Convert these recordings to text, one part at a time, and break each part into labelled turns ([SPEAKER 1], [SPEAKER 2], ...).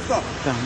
[SPEAKER 1] usta.
[SPEAKER 2] Tamam.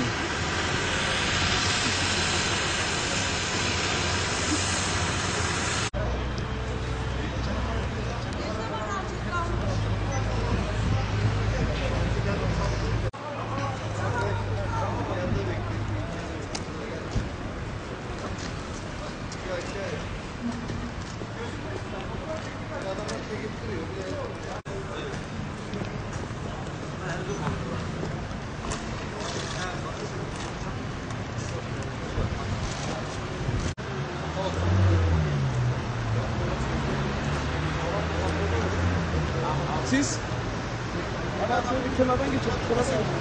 [SPEAKER 1] Siz? Hemen şöyle bir kenardan geçelim. Kenardan geçelim.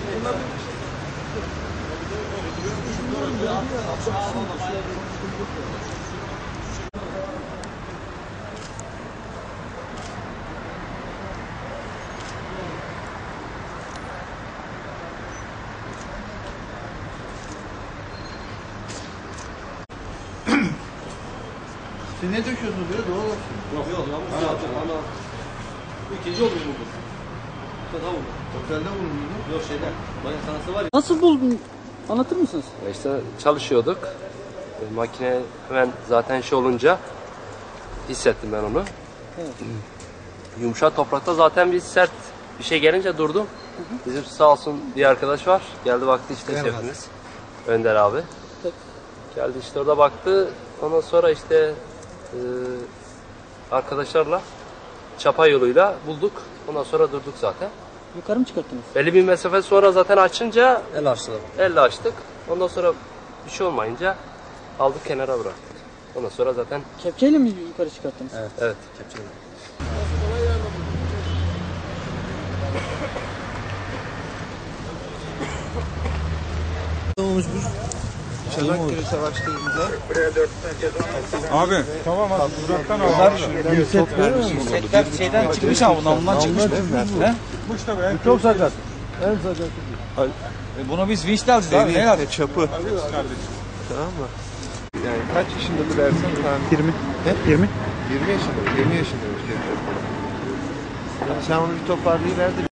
[SPEAKER 3] Siz ne döküyorsunuz böyle doğal olsun?
[SPEAKER 4] Yok yanlış. Bu ikinci oldu bu. Tamam mı?
[SPEAKER 3] Otelde bulundunuz.
[SPEAKER 4] Yok şeyden. Bayan sanatı var ya.
[SPEAKER 2] Nasıl buldun? Anlatır mısınız?
[SPEAKER 5] İşte çalışıyorduk. Makine hemen zaten şey olunca hissettim ben onu.
[SPEAKER 2] Evet.
[SPEAKER 5] Yumuşak toprakta zaten bir sert bir şey gelince durdum. Bizim sağ olsun bir arkadaş var. Geldi baktı işte şefimiz. Önder abi.
[SPEAKER 2] Evet.
[SPEAKER 5] Geldi işte orada baktı. Ondan sonra işte arkadaşlarla çapa yoluyla bulduk. Ondan sonra durduk zaten.
[SPEAKER 2] Yukarı mı çıkarttınız?
[SPEAKER 5] Belli bir mesafe sonra zaten açınca
[SPEAKER 4] El açtılar.
[SPEAKER 5] elle açtık. Ondan sonra bir şey olmayınca aldık kenara bıraktık. Ondan sonra zaten
[SPEAKER 2] Kepçeyle mi yukarı çıkarttınız?
[SPEAKER 5] evet.
[SPEAKER 4] Kepçeyle.
[SPEAKER 1] Abi tamam abi uzaktan al.
[SPEAKER 6] Setler şeyden çıkmış ama bundan çıkmış. He?
[SPEAKER 1] Çok sakat.
[SPEAKER 6] Bunu biz vinçle alacağız abi. Ne yapacağız?
[SPEAKER 3] Çapı. Tamam mı? Yani kaç yaşındadır Ersan tahmin?
[SPEAKER 2] 20.
[SPEAKER 3] He?
[SPEAKER 2] 20.
[SPEAKER 3] 20 yaşında. 20 yaşında. Sen onu bir toparlayıver de